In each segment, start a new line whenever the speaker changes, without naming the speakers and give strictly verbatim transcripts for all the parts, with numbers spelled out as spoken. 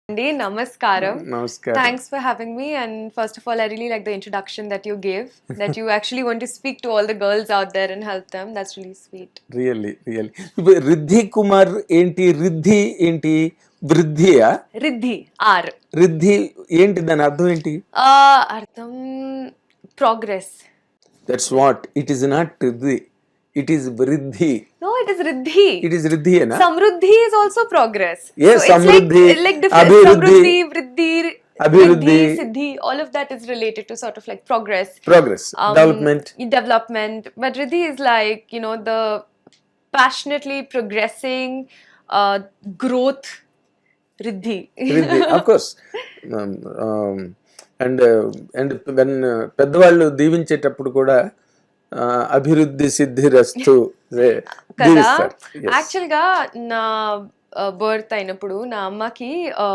Andy, Namaskaram.
Namaskaram.
Thanks for having me. And first of all, I really like the introduction that you gave, that you actually want to speak to all the girls out there and help them. That's really sweet.
Really, really. Riddhi Kumar enti, Riddhi enti, Vriddhiya?
Riddhi, R.
Riddhi enti dani ardham enti?
Uh, Artham, progress.
That's what. It is not Riddhi. It is Vriddhi.
No, it is Riddhi.
It is Riddhi, na?
Samruddhi is also progress.
Yes,
so it's
Samruddhi,
like, like different.
Abhiruddhi,
Samruddhi, Vriddhi,
Abhiruddhi,
Riddhi, Siddhi, all of that is related to sort of like progress.
Progress,
Um,
development.
Development. But Riddhi is like, you know, the passionately progressing uh, growth. Riddhi.
Riddhi, of course. Um, um, and uh, and when uh, పెద్దవాళ్ళు దీవించేటప్పుడు కూడా అభివృద్ధి సిద్ధి రస్తు
కదా actual గా నా birth అయినప్పుడు నా అమ్మకి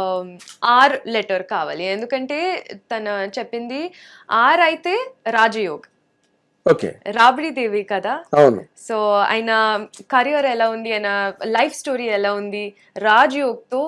ఆర్ లెటర్ కావాలి, ఎందుకంటే తన చెప్పింది ఆర్ అయితే రాజయోగ్,
ఓకే,
రాబడి దేవి కదా.
అవును.
సో ఆయన కెరియర్ ఎలా ఉంది, ఆయన లైఫ్ స్టోరీ ఎలా ఉంది, రాజయోగ్ తో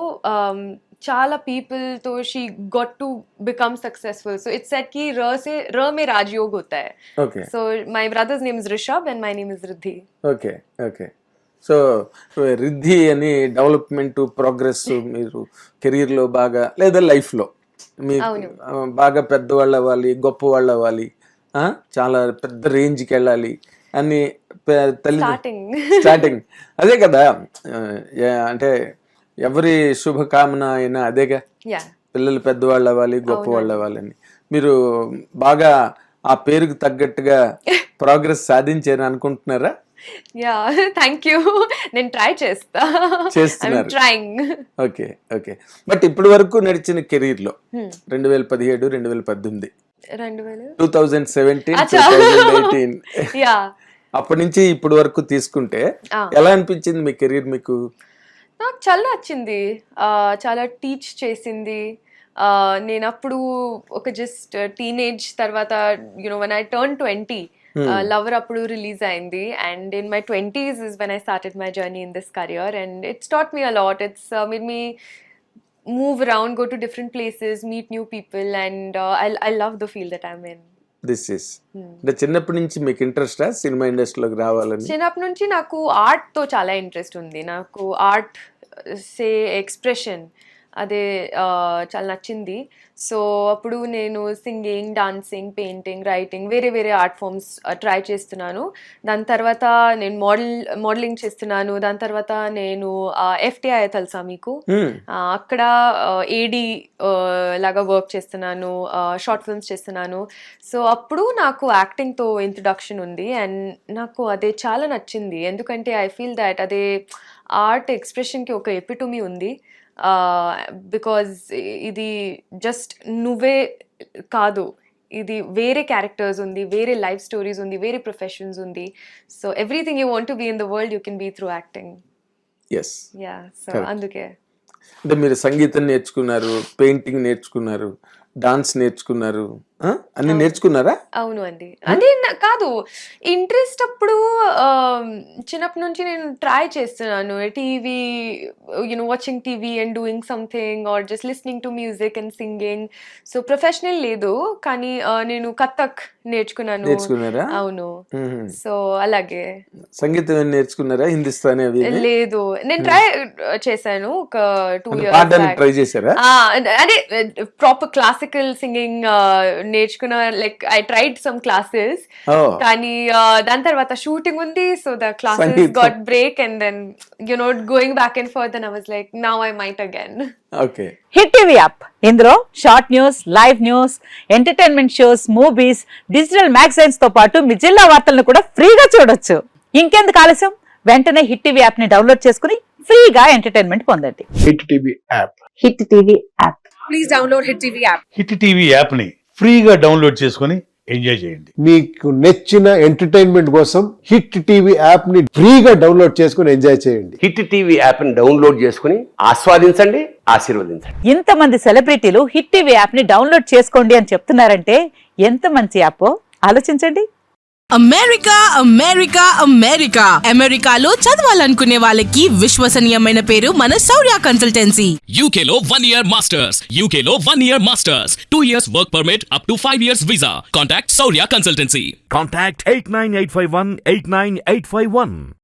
చాలా పీపుల్ తో she got to become successful. So it's set కి र से र में राजयोग होता है.
Okay.
So my brother's name is Rishabh and my name is Riddhi.
Okay okay. So Riddhi అని డెవలప్మెంట్ ప్రోగ్రెస్ మీరు కెరీర్ లో బాగా లేదా లైఫ్ లో మీరు బాగా పెద్దవాళ్ళు అవ్వాలి, గొప్ప వాళ్ళు అవ్వాలి, చాలా పెద్ద రేంజ్కి వెళ్ళాలి అని తల్లి స్టార్టింగ్ అదే కదా. అంటే ఎవరి శుభకామన అయినా అదేగా, పిల్లలు పెద్దవాళ్ళు అవ్వాలి, గొప్ప వాళ్ళు అవ్వాలని. మీరు బాగా ఆ పేరుకు తగ్గట్టుగా ప్రోగ్రెస్ సాధించారు అనుకుంటున్నారా?
Ya, thank you. నేను ట్రై చేస్తా
చేస్తున్నారు.
ట్రైయింగ్.
Okay okay. బట్ ఇప్పటి వరకు నడిచిన కెరీర్ లో రెండు వేల పదిహేడు రెండు వేల పద్దెనిమిది
రెండు వేల
two thousand seventeen two thousand eighteen అప్పటి నుంచి ఇప్పటి వరకు తీసుకుంటే ఎలా అనిపించింది మీ కెరీర్ మీకు?
నాకు చాలా నచ్చింది, చాలా టీచ్ చేసింది. నేను అప్పుడు ఒక జస్ట్ టీనేజ్ తర్వాత, you know when I turn twenty, Lover అప్పుడు రిలీజ్ అయింది. And in my twenties is when I started my journey in this career and it's taught me a lot. It's made me move around, go to different places, meet new people and I I love the field that I'm in.
This is అంటే చిన్నప్పటి నుంచి మీకు interest cinema ఇండస్ట్రీలోకి రావాలని?
చిన్నప్పటి నుంచి నాకు art తో చాలా ఇంట్రెస్ట్ ఉంది. నాకు ఆర్ట్ సే ఎక్స్ప్రెషన్ అదే చాలా నచ్చింది. సో అప్పుడు నేను సింగింగ్, డాన్సింగ్, పెయింటింగ్, రైటింగ్, వేరే వేరే ఆర్ట్ ఫామ్స్ ట్రై చేస్తున్నాను. దాని తర్వాత నేను మోడల్ మోడలింగ్ చేస్తున్నాను. దాని తర్వాత నేను ఎఫ్టీఐ తెలుసా మీకు, అక్కడ ఏడి లాగా వర్క్ చేస్తున్నాను, షార్ట్ ఫిల్మ్స్ చేస్తున్నాను. సో అప్పుడు నాకు యాక్టింగ్తో ఇంట్రడక్షన్ ఉంది అండ్ నాకు అదే చాలా నచ్చింది, ఎందుకంటే ఐ ఫీల్ దాట్ అదే ఆర్ట్ ఎక్స్ప్రెషన్కి ఒక ఎపిటమీ ఉంది. బికాజ్ ఇది జస్ట్ నువ్వే కాదు, ఇది వేరే క్యారెక్టర్స్ ఉంది, వేరే లైఫ్ స్టోరీస్ ఉంది, వేరే ప్రొఫెషన్స్ ఉంది. So everything you want to be in the world you can be through acting.
Yes.
Ya, so అందుకే.
అంటే మీరు సంగీతం నేర్చుకున్నారు, పెయింటింగ్ నేర్చుకున్నారు, డాన్స్ నేర్చుకున్నారు, అన్ని నేర్చుకున్నారా?
అవును అండి. అంటే కాదు, ఇంట్రెస్ట్ అప్పుడు చిన్నప్పటి నుంచి నేను ట్రై చేస్తున్నాను. TV, you know watching TV and doing something or just listening to music and singing. So professional లేదు, కానీ నేను కథక్ నేర్చుకున్నాను.
నేర్చుకున్నారా?
అవును. సో అలాగే.
సంగీతం నేర్చుకున్నారా? హిందుస్థానీ అవి
లేదు, నేను ట్రై చేశాను ఒక టూ ఇయర్స్.
ట్రై చేశారా?
అదే ప్రాపర్ క్లాసికల్ సింగింగ్ నేర్చుకున్న, like I tried some classes, కానీ దాని తర్వాత షూటింగ్ ఉంది. So the classes got break and then you know going back and forth and I was like now I might again.
Okay.
Hit TV app, ఇందులో short news, live news, entertainment shows, movies, digital magazines తో పాటు మీ జిల్లా వార్తలను కూడా ఫ్రీగా చూడొచ్చు. ఇంకెందుకు ఆలస్యం, వెంటనే హిట్ టీవీ యాప్ ని డౌన్లోడ్ చేసుకుని ఫ్రీగా ఎంటర్టైన్మెంట్ పొందండి.
Hit TV app.
Hit TV app.
Please download Hit TV app.
Hit TV app ని ఫ్రీగా డౌన్లోడ్ చేసుకుని ఎంజాయ్ చేయండి.
మీకు నచ్చిన ఎంటర్టైన్మెంట్ కోసం హిట్ టీవీ యాప్ ని ఫ్రీగా డౌన్లోడ్ చేసుకుని ఎంజాయ్ చేయండి.
హిట్ టీవీ యాప్ ని డౌన్లోడ్ చేసుకుని ఆస్వాదించండి, ఆశీర్వదించండి.
ఇంతమంది సెలబ్రిటీలు హిట్ టీవీ యాప్ ని డౌన్లోడ్ చేసుకోండి అని చెప్తున్నారంటే ఎంత మంచి యాప్ ఆలోచించండి.
అమెరికా అమెరికా అమెరికా అమెరికాలో చదవాలనుకునే వాళ్ళకి విశ్వసనీయమైన పేరు మన శౌర్య కన్సల్టెన్సీ.
U K లో one year masters, U K లో one year masters, two years work permit up to five years visa. Contact Saurya Consultancy.
Contact eight nine eight five one eight nine eight five one.